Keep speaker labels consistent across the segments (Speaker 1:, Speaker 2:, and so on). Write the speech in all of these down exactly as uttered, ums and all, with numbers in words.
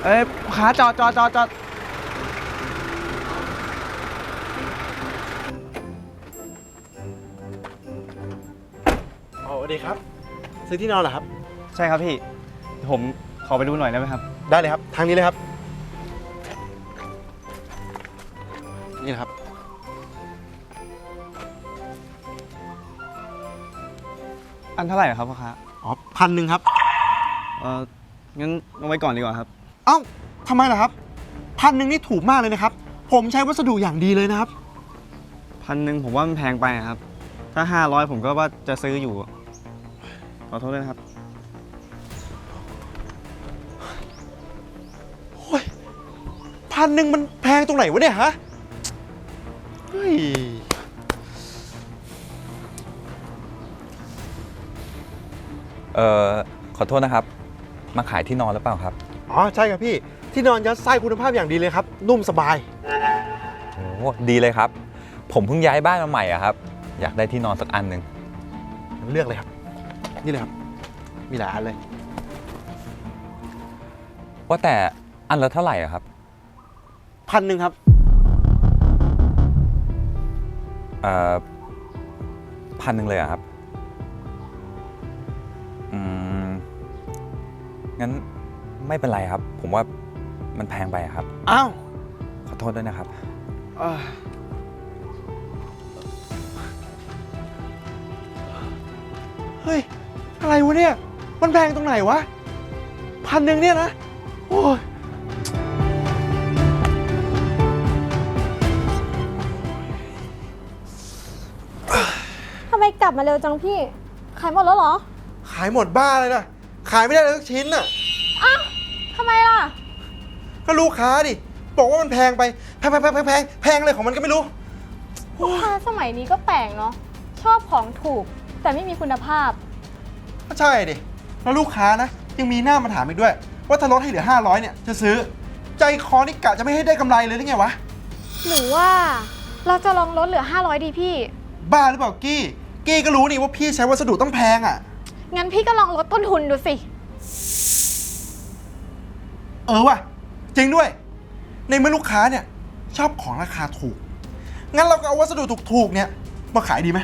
Speaker 1: เอ้ยขาจอดจอดจอดจอด
Speaker 2: อ๋อดีครับซื้อที่นอนเหรอครับ
Speaker 1: ใช่ครับพี่ผมขอไปดูหน่อยได้ไหมครับ
Speaker 2: ได้เลยครับทางนี้เลยครับนี่นะครับ
Speaker 1: อันเท่าไหร่ครับพ่อค้า
Speaker 2: อ๋อพันหนึ่งครับ
Speaker 1: เอองั้นเอาไว้ก่อนดีกว่าครับ
Speaker 2: เอ้าทำไมล่ะครับพันหนึ่งนี่ถูกมากเลยนะครับผมใช้วัสดุอย่างดีเลยนะครับ
Speaker 1: พันหนึ่งผมว่ามันแพงไปครับถ้าห้าร้อยผมก็ว่าจะซื้ออยู่ขอโทษด้วยนะครับ
Speaker 2: โอ้ยพันหนึ่งมันแพงตรงไหนวะเนี่ยฮะเฮ้ย
Speaker 3: เอ่อขอโทษนะครับมาขายที่นอนหรือเปล่าครับ
Speaker 2: อ๋อใช่ครับพี่ที่นอนยัดไส้คุณภาพอย่างดีเลยครับนุ่มสบาย
Speaker 3: โอ้ดีเลยครับผมเพิ่งย้ายบ้านมาใหม่อะครับอยากได้ที่นอนสักอันหนึ่ง
Speaker 2: เลือกเลยครับนี่เลยครับมีหลายอันเลย
Speaker 3: ว่าแต่อันละเท่าไหร่อะครับ
Speaker 2: พันหนึ่งครับ
Speaker 3: เอ่อพันหนึ่งเลยอะครับอืมงั้นไม่เป็นไรครับผมว่ามันแพงไปครับ
Speaker 2: อ้าว
Speaker 3: ขอโทษด้วยนะครับ
Speaker 2: เฮ้ยอะไรวะเนี่ยมันแพงตรงไหนวะพันหนึ่งเนี่ยนะโอ้ย
Speaker 4: ทำไมกลับมาเร็วจังพี่ขายหมดแล้วเหรอ
Speaker 2: ขายหมดบ้าเลยนะขายไม่ได้เลยสักชิ้นน่ะ
Speaker 4: อ้าวทำไมล่ะ
Speaker 2: ก็ลูกค้าดิบอกว่ามันแพงไปแพงแพงแพงแพงแพงอะไรของมันก็ไม่รู้
Speaker 4: ลูกค้าสมัยนี้ก็แปลกเนาะชอบของถูกแต่ไม่มีคุณภาพ
Speaker 2: ก็ใช่ดิแล้วลูกค้านะยังมีหน้ามาถามอีกด้วยว่าถ้าลดให้เหลือห้าร้อยเนี่ยจะซื้อใจคอนี่กะจะไม่ให้ได้กำไรเลยหรือไงวะ
Speaker 4: หรือว่าเราจะลองลดเหลือห้าร้อยดีพี่
Speaker 2: บ้าหรือเปล่ากี้กี้ก็รู้นี่ว่าพี่ใช้วัสดุต้องแพงอ่ะ
Speaker 4: งั้นพี่ก็ลองลดต้นทุนดูสิ
Speaker 2: เออว่ะจริงด้วยในเมื่อลูกค้าเนี่ยชอบของราคาถูกงั้นเราก็เอาวัสดุถูกๆเนี่ยมาขายดีไหม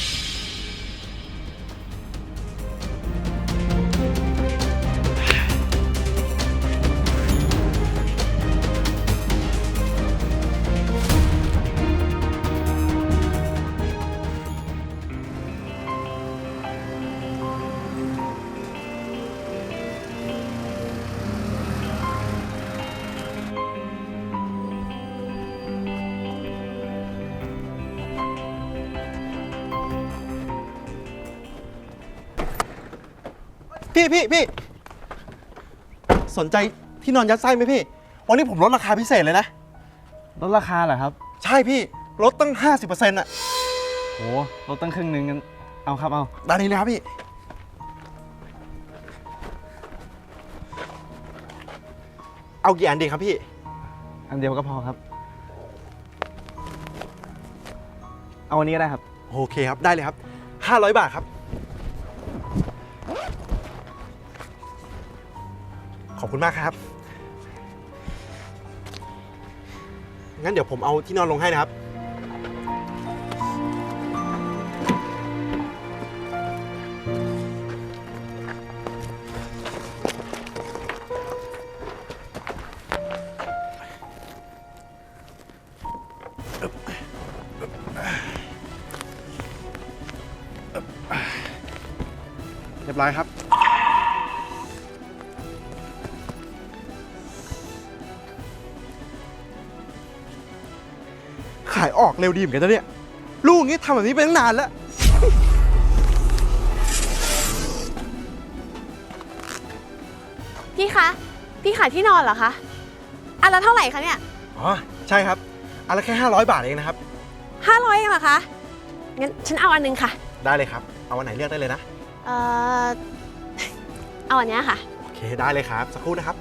Speaker 2: พี่พี่พี่สนใจที่นอนยัดไส้ไหมพี่วันนี้ผมลดราคาพิเศษเลยนะ
Speaker 1: ลดราคาเหรอครับ
Speaker 2: ใช่พี่ลดตั้ง ห้าสิบเปอร์เซ็นต์ อ่ะ
Speaker 1: โหลดตั้งครึ่งนึงงั้นเอาครับเอา
Speaker 2: ด้านนี้นะครับพี่เอากี่อันดีครับพี่
Speaker 1: อันเดียวก็พอครับเอาอันนี้ก็ได้ครับ
Speaker 2: โอเคครับได้เลยครับห้าร้อยบาทครับขอบคุณมากครับงั้นเดี๋ยวผมเอาที่นอนลงให้นะครับเรียบร้อยครับขายออกเร็วดีเหมือนกันนะเนี่ยลูกนี้ทำแบบนี้ไปตั้งนานแล้ว
Speaker 4: พี่คะพี่ขายที่นอนเหรอคะอันละเท่าไหร่คะเนี่ย
Speaker 2: อ๋อใช่ครับอันละแค่ห้าร้อยบาทเองนะครับ
Speaker 4: ห้าร้อยเองเหรอคะงั้นฉันเอาอันนึงค่ะ
Speaker 2: ได้เลยครับเอาอันไหนเลือกได้เลยนะ
Speaker 4: เอ่อเอาอันนี้ค่ะ
Speaker 2: โอเคได้เลยครับสักครู่นะครับ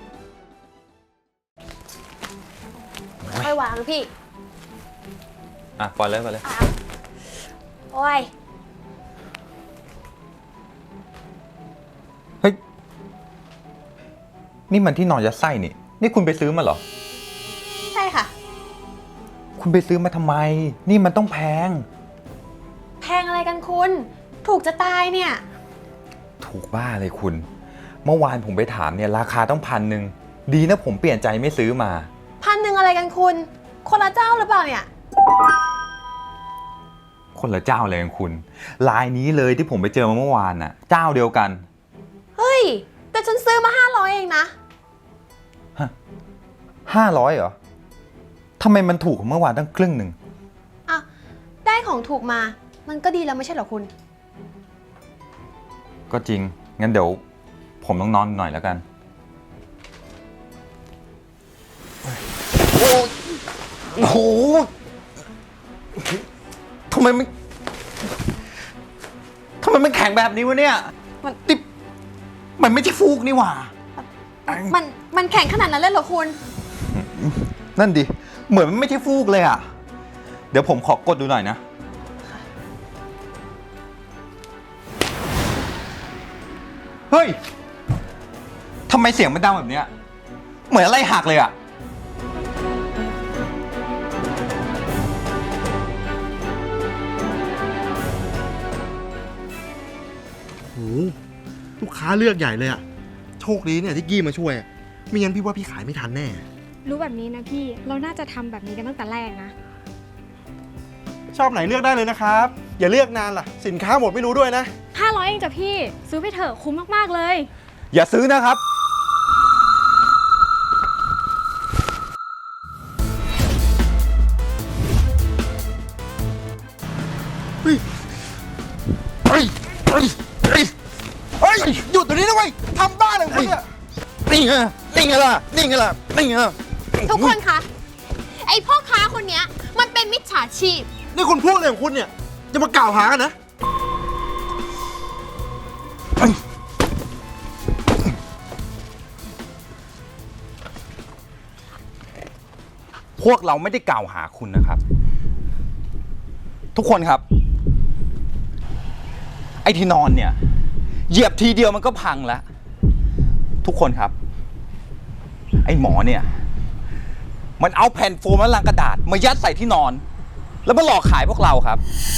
Speaker 4: ค่อยวางพี่
Speaker 3: อ่ะปล่อยเลยปล่อยเลย
Speaker 5: โอ้ย
Speaker 3: เฮ้ย นี่มันที่นอนยัดไส้นี่ นี่คุณไปซื้อมาเหรอ
Speaker 5: ใช่ค่ะ
Speaker 3: คุณไปซื้อมาทำไม นี่มันต้องแพง
Speaker 5: แพงอะไรกันคุณ ถูกจะตายเนี่ย
Speaker 3: ถูกบ้าเลยคุณ เมื่อวานผมไปถามเนี่ยราคาต้องพันหนึ่ง ดีนะผมเปลี่ยนใจไม่ซื้อมา
Speaker 5: พันหนึ่งอะไรกันคุณ คนละเจ้าหรือเปล่าเนี่ย
Speaker 3: คนละเจ้าเลยคุณ ลายนี้เลยที่ผมไปเจอมาเมื่อวานน่ะ เจ้าเดียวกัน
Speaker 5: เฮ้ย แต่ฉันซื้อมาห้าร้อยเองนะ
Speaker 3: ห้าร้อยเหรอ ทำไมมันถูกกว่าเมื่อวานตั้งครึ่งหนึ่ง
Speaker 5: อ่ะ ได้ของถูกมา มันก็ดีแล้วไม่ใช่เหรอคุณ
Speaker 3: ก็จริง งั้นเดี๋ยวผมต้องนอนหน่อยแล้วกัน โอ้โหทำไมมันทำไมมันแข็งแบบนี้วะเนี่ย มันติบมันไม่ใช่ฟูกนี่หว่า
Speaker 5: มันมันแข็งขนาดนั้นเลยเหรอคุณ
Speaker 3: นั่นดิ เหมือนมันไม่ใช่ฟูกเลยอ่ะ เดี๋ยวผมขอกดดูหน่อยนะ เฮ้ย ทำไมเสียงมันดังแบบเนี้ย เหมือนอะไรหักเลยอ่ะ
Speaker 2: โหลูกค้าเลือกใหญ่เลยอะโชคดีเนี่ยที่กี้มาช่วยอะไม่งั้นพี่ว่าพี่ขายไม่ทันแน่
Speaker 4: รู้แบบนี้นะพี่ เราน่าจะทำแบบนี้กันตั้งแต่แรกนะ
Speaker 2: ชอบไหนเลือกได้เลยนะครับ อย่าเลือกนานล่ะ สินค้าหมดไม่รู้ด้วยนะ
Speaker 4: ห้าร้อยเองจ้ะพี่ ซื้อไปเถอะคุ้มมากๆเลย
Speaker 3: อย่าซื้อนะครับ
Speaker 2: เฮ้ย เฮ้ย เฮ้ย เฮ้ย เฮ้ย หยุดตรงนี้นะเว้ยทำบ้าอะไรของคุณเนี่ย
Speaker 3: นี่ไงนี่ไงล่ะ นี่ไงล่ะ นี่ไงล่ะ
Speaker 5: ทุกคนคะ ไอพ่อค้าคนเนี้ย มันเป็นมิจฉาชีพ
Speaker 2: นี่คุณพูดอะไรของคุณเนี่ย จะมากล่าวหากันนะ
Speaker 3: พวกเราไม่ได้กล่าวหาคุณนะครับ ทุกคนครับ ไอ้ที่นอนเนี่ย เหยียบทีเดียวมันก็พังแล้ว ทุกคนครับ ไอ้หมอเนี่ย มันเอาแผ่นโฟมและลังกระดาษมายัดใส่ที่นอน แล้วมาหลอกขายพวกเราครับ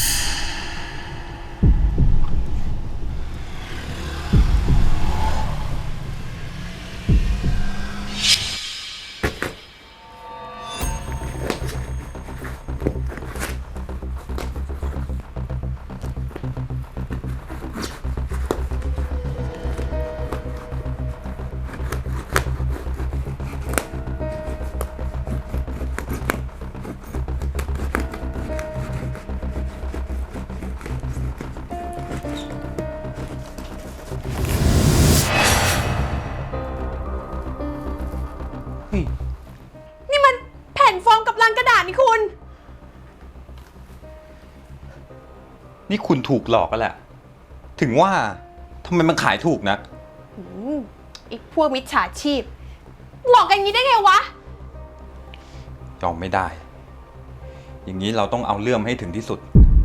Speaker 5: นี่มันแผ่นโฟมกับลังกระดาษนี่คุณ
Speaker 3: นี่คุณถูกหลอกกันแหละ ถึงว่าทำไมมันขายถูกนัก
Speaker 5: อืมอีกพวกมิจฉาชีพ หลอกกันอย่างนี้ได้ไงวะ
Speaker 3: ยอมไม่ได้ อย่างนี้เราต้องเอาเรื่องให้ถึงที่สุด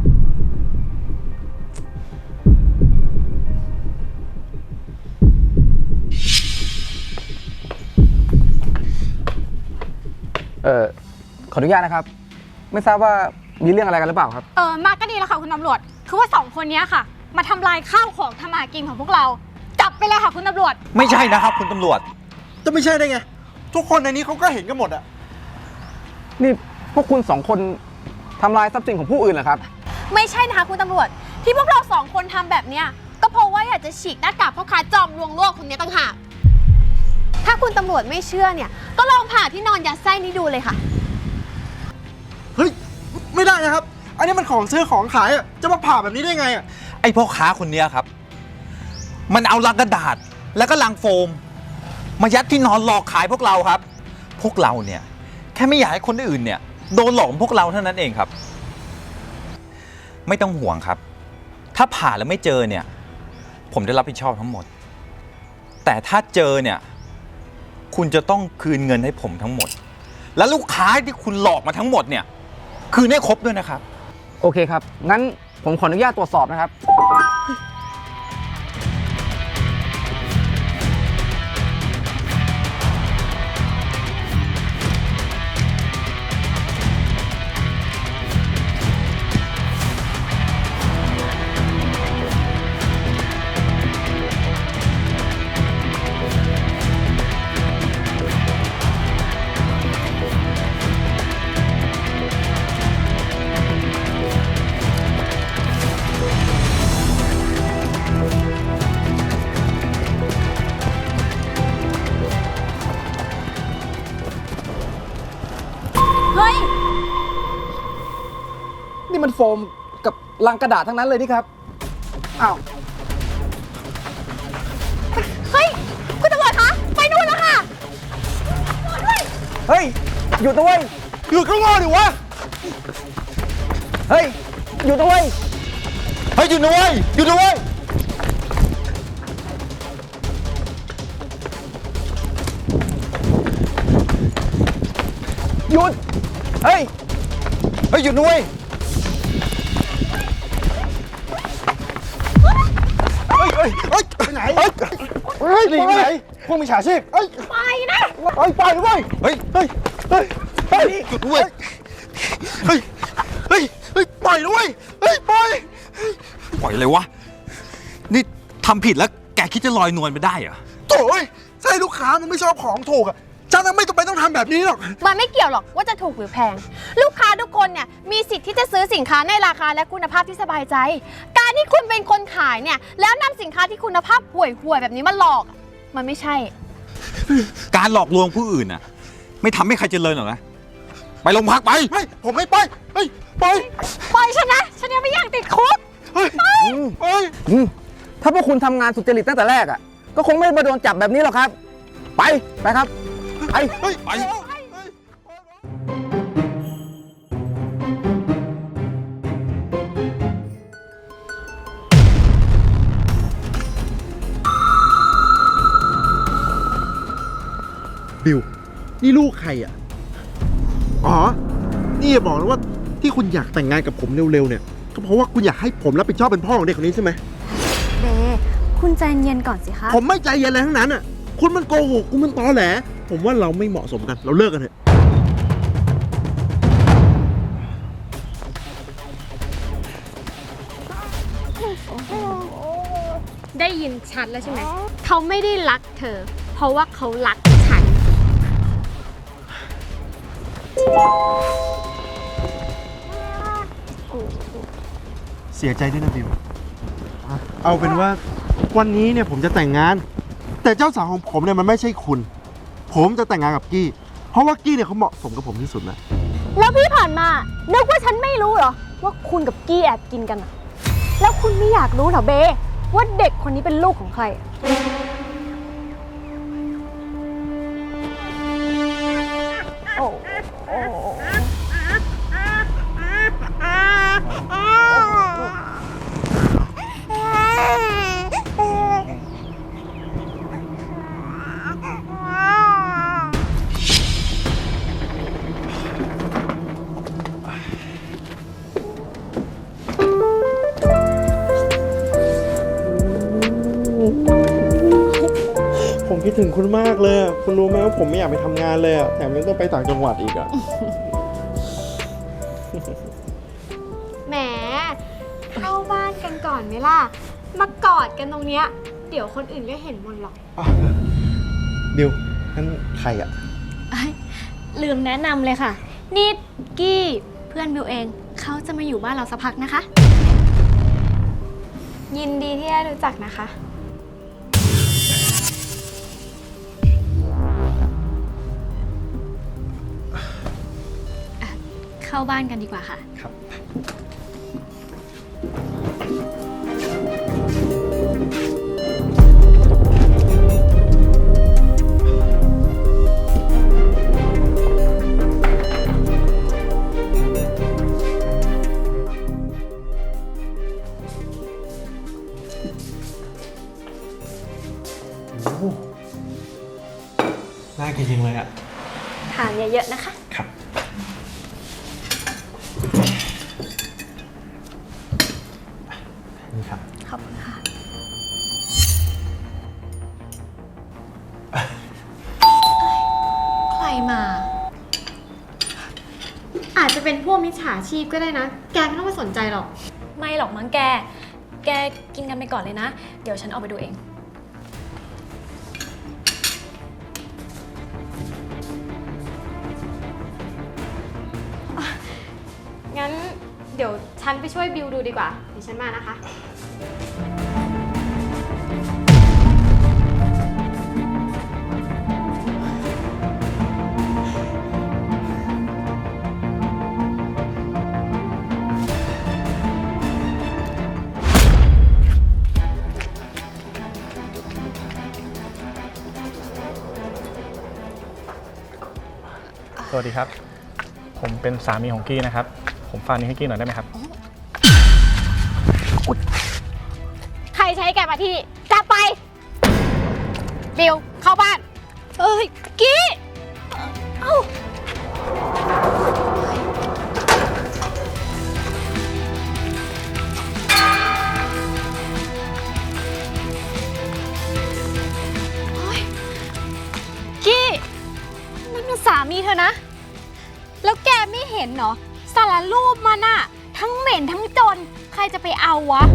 Speaker 6: เออขออนุญาตนะครับ ไม่ทราบว่ามีเรื่องอะไรกันหรือเปล่าครับ
Speaker 4: เออมาก็ดีแล้วค่ะคุณตำรวจ คือว่าสองคนเนี้ยค่ะ มาทำลายข้าวของทำมาหากินของพวกเรา จับไปเลยค่ะคุณตำรวจ
Speaker 3: ไม่ใช่นะครับ คุณตำรวจ
Speaker 2: จะไม่ใช่ได้ไง ทุกคนในนี้เขาก็เห็นกันหมดอะ
Speaker 6: นี่พวกคุณสองคนทำลายทรัพย์สินของผู้อื่นเหรอครับ
Speaker 5: ไม่ใช่นะคะคุณตำรวจ ที่พวกเราสองคนทำแบบเนี้ยก็เพราะว่าอยากจะฉีกหน้ากากพ่อค้าจอมลวงโลกคนนี้ต่างหากถ้าคุณตำรวจไม่เชื่อเนี่ย ก็ลองผ่าที่นอนยัดไส้นี้ดูเลยค่ะ
Speaker 2: เฮ้ย ไม่ได้นะครับ อันนี้มันของซื้อของขายอะจะมาผ่าแบบนี้ได้ไงอะ
Speaker 3: ไอ้พ่อค้าคนเนี้ยครับ มันเอาลังกระดาษแล้วก็ลังโฟม มายัดที่นอนหลอกขายพวกเราครับ พวกเราเนี่ย แค่ไม่อยากให้คนอื่นเนี่ยโดนหลอกเหมือนพวกเราเท่านั้นเองครับ ไม่ต้องห่วงครับ ถ้าผ่าแล้วไม่เจอเนี่ย ผมได้รับผิดชอบทั้งหมด แต่ถ้าเจอเนี่ย คุณจะต้องคืนเงินให้ผมทั้งหมด และลูกค้าที่คุณหลอกมาทั้งหมดเนี่ยคืนให้ครบด้วยนะครับ
Speaker 6: โอเคครับ งั้นผมขออนุญาตตรวจสอบนะครับ
Speaker 5: เฮ้ย
Speaker 6: นี่มันโฟมกับลังกระดาษทั้งนั้นเลยนี่ครับ อ้าว
Speaker 5: เฮ้ย คุณตำรวจคะ ไปนู่นแล้วค่ะ
Speaker 6: เฮ้ย หยุดด้วย
Speaker 2: หยุดก็งอดิวะ
Speaker 6: เฮ้ย หยุดด้วย
Speaker 3: เฮ้ยหยุดนะเว้ยหยุดนะเว้ย
Speaker 6: หยุด เฮ้ย
Speaker 3: เฮ้ยหยุดนะเว้ย
Speaker 2: เฮ้ยเฮ้ยเฮ้ยไปไหน เฮ้ยเฮ้ยหนีไปไหนพวกมิจฉาชีพเฮ้ย
Speaker 5: ไปนะ
Speaker 2: เฮ้ยไปเลยเว้ย
Speaker 3: เฮ้ย
Speaker 2: เฮ้ย เฮ้ย เฮ้ย
Speaker 3: หยุดนะเว้ย
Speaker 2: เฮ้ย เฮ้ย เฮ้ย ปล่อยนะเว้ย เฮ้ย ปล่อย
Speaker 3: ปล่อยเลยวะ นี่ทำผิดแล้วแกคิดจะลอยนวลไปได้เหรอ
Speaker 2: โถ่ยใช่ลูกค้ามันไม่ชอบของถูกอ่ะฉันน่ะไม่จำเป็นต้องทำแบบนี้หรอก
Speaker 5: มันไม่เกี่ยวหรอกว่าจะถูกหรือแพง ลูกค้าทุกคนเนี่ยมีสิทธิ์ที่จะซื้อสินค้าในราคาและคุณภาพที่สบายใจ การที่คุณเป็นคนขายเนี่ยแล้วนำสินค้าที่คุณภาพห่วยๆแบบนี้มาหลอกอะมันไม่ใช่
Speaker 3: การหลอกลวงผู้อื่นน่ะ ไม่ทำให้ใครเจริญหรอกนะ ไปโรงพักไป
Speaker 2: ไม่ ผมไม่ไป เฮ้ย ไป
Speaker 5: ปล่อยฉันนะ ฉันยังไม่อยากติดคุก
Speaker 2: เฮ้ย เฮ้ย
Speaker 6: อืมถ้าพวกคุณทำงานสุจริตตั้งแต่แรกอ่ะ ก็คงไม่มาโดนจับแบบนี้หรอกครับ ไป ไปครับ ไป
Speaker 2: เฮ้ย
Speaker 3: ไป
Speaker 2: บิว นี่ลูกใครอ่ะ อ๋อ นี่อย่าบอกนะว่าที่คุณอยากแต่งงานกับผมเร็วๆเนี่ย ก็เพราะว่าคุณอยากให้ผมรับผิดชอบเป็นพ่อของเด็กคนนี้ใช่ไหม
Speaker 4: เบคุณใจเย็นก่อนสิคะ
Speaker 2: ผมไม่ใจเย็นอะไรทั้งนั้นอ่ะ คุณมันโกหก คุณมันตอแหล ผมว่าเราไม่เหมาะสมกัน เราเลิกกันเถอะ
Speaker 4: ได้ยินชัดแล้วใช่ไหม เขาไม่ได้รักเธอ เพราะว่าเขารักฉัน
Speaker 2: เสียใจด้วยนะบิว เอาเป็นว่าวันนี้เนี่ยผมจะแต่งงาน แต่เจ้าสาวของผมเนี่ยมันไม่ใช่คุณ ผมจะแต่งงานกับกี้ เพราะว่ากี้เนี่ยเขาเหมาะสมกับผมที่สุดแล้ว
Speaker 4: แล้วพี่ผ่านมา นึกว่าฉันไม่รู้เหรอ ว่าคุณกับกี้แอบกินกันอะแล้วคุณไม่อยากรู้เหรอเบ ว่าเด็กคนนี้เป็นลูกของใครอะโอ้โอ้
Speaker 2: ผมคิดถึงคุณมากเลยอะคุณรู้ไหมว่าผมไม่อยากไปทำงานเลยอะแถมยังต้องไปต่างจังหวัดอีกอะ
Speaker 4: แหม เข้าบ้านกันก่อนไหมล่ะ มากอดกันตรงเนี้ย เดี๋ยวคนอื่นก็เห็นหมดหรอก
Speaker 2: บิวนั่นใครอะ
Speaker 4: ลืมแนะนำเลยค่ะ นี่กี้เพื่อนบิวเอง เขาจะมาอยู่บ้านเราสักพักนะคะ ยินดีที่ได้รู้จักนะคะ เข้าบ้านกันดีกว่าค่ะ
Speaker 2: ครับ โอ้โหน่ากินจริงเลยอะ
Speaker 4: ทานเยอะๆนะคะ
Speaker 2: ครับ
Speaker 5: มา อาจจะเป็นพวกมิจฉาชีพก็ได้นะ แกไม่ต้องไปสนใจหรอก
Speaker 4: ไม่หรอกมั้งแก แกกินกันไปก่อนเลยนะ เดี๋ยวฉันเอาไปดูเอง
Speaker 5: งั้นเดี๋ยวฉันไปช่วยบิวดูดีกว่า เดี๋ยวฉันมานะคะ
Speaker 7: สวัสดีครับ ผมเป็นสามีของกี้นะครับ ผมฝากนี้ให้กี้หน่อยได้ไหมครับ
Speaker 5: ใครใช้แกมาที่นี่จับไป บิว เข้าบ้าน เอ้ย กี้ เอ้า กี้ นั่นมันสามีเธอนะ แล้วแกไม่เห็นเหรอ สารรูปมันอะทั้งเหม็นทั้งจน ใครจะไปเอาวะ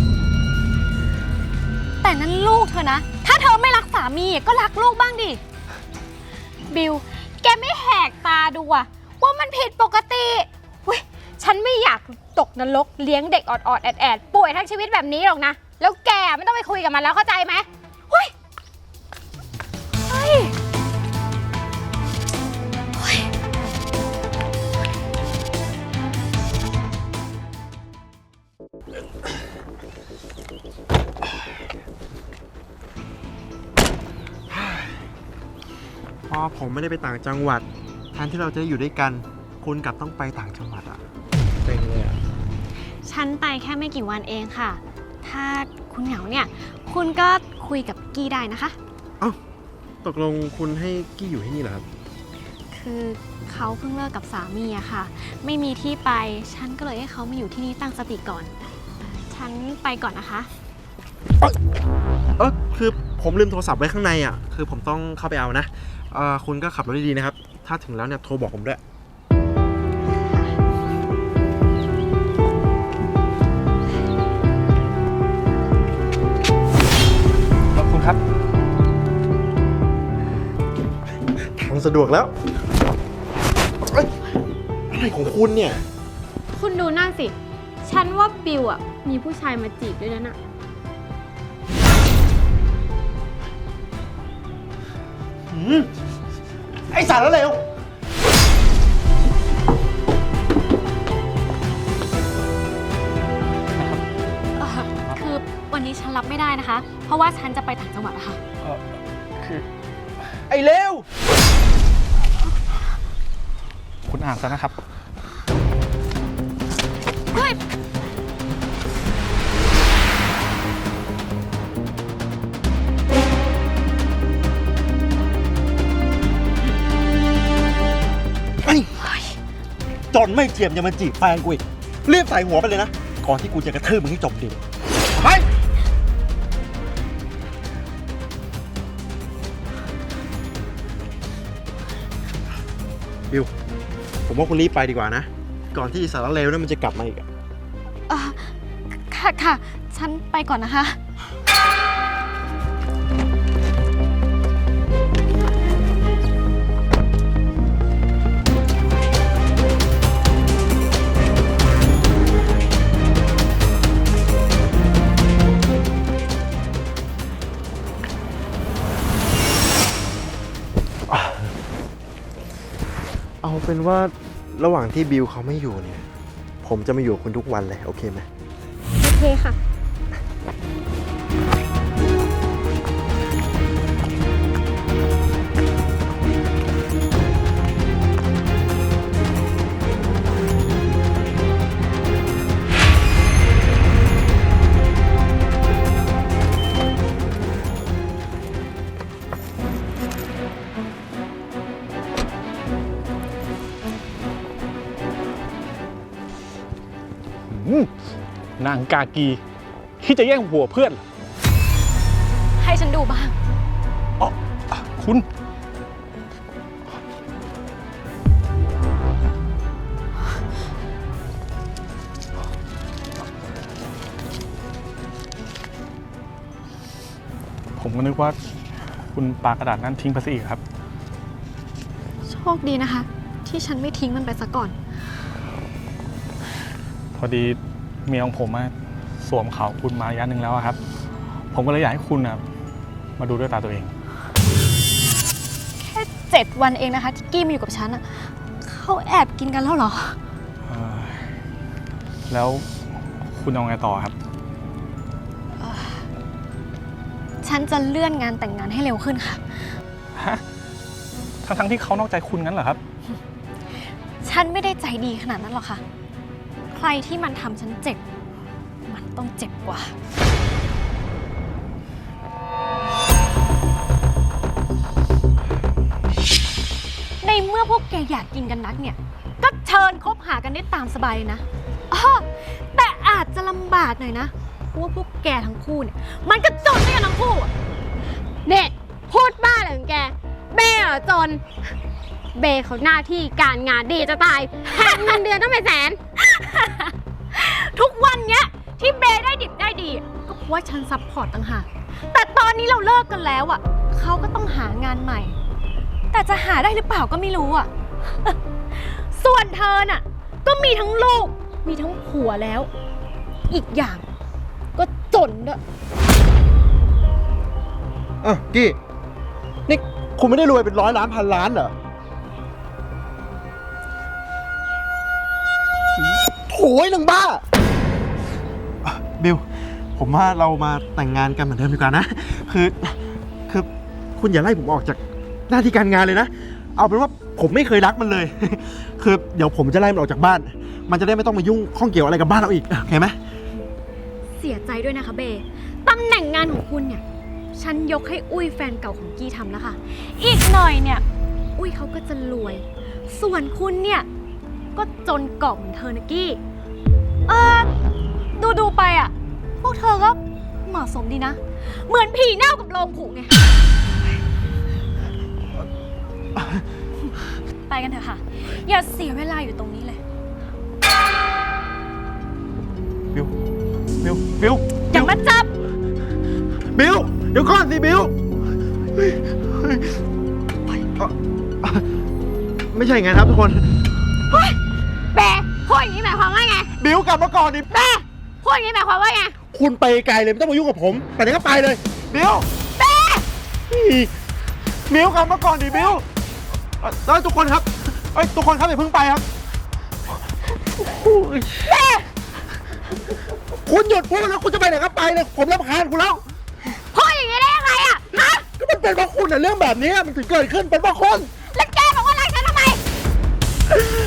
Speaker 5: แต่นั่นลูกเธอนะ ถ้าเธอไม่รักสามีก็รักลูกบ้างดิ บิว แกไม่แหกตาดูอะว่ามันผิดปกติเว้ยฉันไม่อยากตกนรกเลี้ยงเด็กออดๆแอดๆป่วยทั้งชีวิตแบบนี้หรอกนะ แล้วแกไม่ต้องไปคุยกับมันแล้วเข้าใจไหมเฮ้ยเฮ้ย
Speaker 2: พอผมไม่ได้ไปต่างจังหวัดแทนที่เราจะได้อยู่ด้วยกัน คุณกลับต้องไปต่างจังหวัดอะเป็นเลยอะ
Speaker 4: ฉันไปแค่ไม่กี่วันเองค่ะ ถ้าคุณเหงาเนี่ย คุณก็คุยกับกี้ได้นะคะ
Speaker 2: เอ้าตกลงคุณให้กี้อยู่ที่นี่เหรอครับ
Speaker 4: คือเขาเพิ่งเลิกกับสามีอะค่ะ ไม่มีที่ไป ฉันก็เลยให้เขามาอยู่ที่นี่ตั้งสติก่อน ฉันไปก่อนนะคะ
Speaker 2: เออคือผมลืมโทรศัพท์ไว้ข้างในอ่ะ คือผมต้องเข้าไปเอานะเออคุณก็ขับรถดีๆนะครับ ถ้าถึงแล้วเนี่ยโทรบอกผมด้วย
Speaker 7: ขอบคุณครับ
Speaker 2: ทางสะดวกแล้วเอ้ยอะไรของคุณเนี่ย
Speaker 5: คุณดูนั่นสิ ฉันว่าบิวอ่ะ มีผู้ชายมาจีบด้วยนะน่ะ
Speaker 2: หืมไอสารแล้วเร็ว
Speaker 4: เอ่อคือวันนี้ฉันรับไม่ได้นะคะ เพราะว่าฉันจะไปต่างจังหวัดอะค่ะ
Speaker 7: เออคือ
Speaker 2: ไอเร็ว
Speaker 7: คุณอ่านซะนะครับ
Speaker 4: เฮ้ย
Speaker 2: ไอ้จนไม่เจียมยังมาจีบแฟนกูอีกรีบใส่หัวไปเลยนะ ก่อนที่กูจะกระทืบมึงให้จมดินไปบิว ผมว่าคุณรีบไปดีกว่านะ ก่อนที่สารเลวนั้นมันจะกลับมาอีกอะ
Speaker 4: เอ่อค่ะค่ะ ฉันไปก่อนนะคะ
Speaker 2: เอาเป็นว่าระหว่างที่บิวเขาไม่อยู่เนี่ย ผมจะมาอยู่กับคุณทุกวันเลย โอเคไหม
Speaker 5: โอเคค่ะ
Speaker 7: นางกากีที่จะแย่งผัวเพื่อนเหรอ
Speaker 4: ให้ฉันดูบ้าง
Speaker 7: อ๋อคุณกว่าคุณปากระดาษนั้นทิ้งไปซะอีกครับ
Speaker 4: โชคดีนะคะ ที่ฉันไม่ทิ้งมันไปซะก่อน
Speaker 7: พอดีเมียของผมอะสวมเขาคุณมาระยะหนึ่งแล้วอะครับ ผมก็เลยอยากให้คุณอะมาดูด้วยตาตัวเอง
Speaker 4: แค่เจ็ดวันเองนะคะที่กี้มาอยู่กับฉันอะเขาแอบกินกันแล้วเหรอ
Speaker 7: เอ่อแล้วคุณเอาไงต่อครับ
Speaker 4: ฉันจะเลื่อนงานแต่งงานให้เร็วขึ้นค่ะ
Speaker 7: ฮะ ทั้งทั้งๆที่เขานอกใจคุณงั้นเหรอครับ
Speaker 4: ฉันไม่ได้ใจดีขนาดนั้นหรอกค่ะ ใครที่มันทำฉันเจ็บ มันต้องเจ็บกว่า ในเมื่อพวกแกอยากกินกันนักเนี่ย ก็เชิญคบหากันได้ตามสบายเลยนะอ้อแต่อาจจะลำบากหน่อยนะ เพราะว่าพวกแกทั้งคู่เนี่ย มันก็จนด้วยกันทั้งคู่อะ
Speaker 5: เด็กพูดบ้าอะไรของแก เบ้เหรอจน เบ้เขาหน้าที่การงานดีจะตายแถมเงินเดือนต้องเป็นแสน
Speaker 4: ทุกวันเนี้ยที่เบย์ได้ดิบได้ดีอะก็เพราะว่าฉันซัพพอร์ตต่างหากแต่ตอนนี้เราเลิกกันแล้วอ่ะเขาก็ต้องหางานใหม่ แต่จะหาได้หรือเปล่าก็ไม่รู้อ่ะ ส่วนเธอน่ะก็มีทั้งลูกมีทั้งผัวแล้ว อีกอย่างก็จนด้วย
Speaker 2: อ่ะกี้นี่คุณไม่ได้รวยเป็นร้อยล้านพันล้านเหรอโถ่ไอ้หนังบ้าอ่ะบิลผมว่าเรามาแต่งงานกันเหมือนเดิมดีกว่านะ คือคือคุณอย่าไล่ผมออกจากหน้าที่การงานเลยนะ เอาเป็นว่าผมไม่เคยรักมันเลย คือเดี๋ยวผมจะไล่มันออกจากบ้าน มันจะได้ไม่ต้องมายุ่งข้องเกี่ยวอะไรกับบ้านเราอีกโอเคไหม
Speaker 4: เสียใจด้วยนะคะเบย์ตำแหน่งงานของคุณเนี่ยฉันยกให้อุ้ยแฟนเก่าของกี้ทำแล้วค่ะ อีกหน่อยเนี่ยอุ้ยเขาก็จะรวย ส่วนคุณเนี่ยก็จนกรอบเหมือนเธอนะกี้เออดูดูไปอ่ะพวกเธอก็เหมาะสมดีนะ เหมือนผีเน่ากับโลงผุไง ไปกันเถอะค่ะ อย่าเสียเวลาอยู่ตรงนี้เลย
Speaker 2: บิลบิลบิล
Speaker 4: อย่ามาจับ
Speaker 2: บิลเดี๋ยวก่อนสิบิลเฮ้ยเฮ้ยเอ่อไม่ใช่ไงครับทุกคน
Speaker 5: เบ้พูดอย่างนี้หมายความว่าไง
Speaker 2: บิลกลับมาก่อนดิ
Speaker 5: เบ้พูดอย่างนี้หมายความว่าไง
Speaker 2: คุณไปไกลเลยไม่ต้องมายุ่งกับผมไปไหนก็ไปเลยบิลเบ้บิลกลับมาก่อนดิบิลเอ่อเอ้ยทุกคนครับเอ้ยทุกคนครับอย่าเพิ่งไปครับเบ้คุณหยุดพูดแล้วคุณจะไปไหนก็ไปเลยผมรำคาญคุณแล้ว
Speaker 5: พูดอย่างนี้ได้ยังไงอะฮะ
Speaker 2: ก็มันเป็นเพราะคุณอะเรื่องแบบนี้มันถึงเกิดขึ้นเป็นเพราะคุณ
Speaker 5: แล้วแกบอกว่ารักฉันทำไม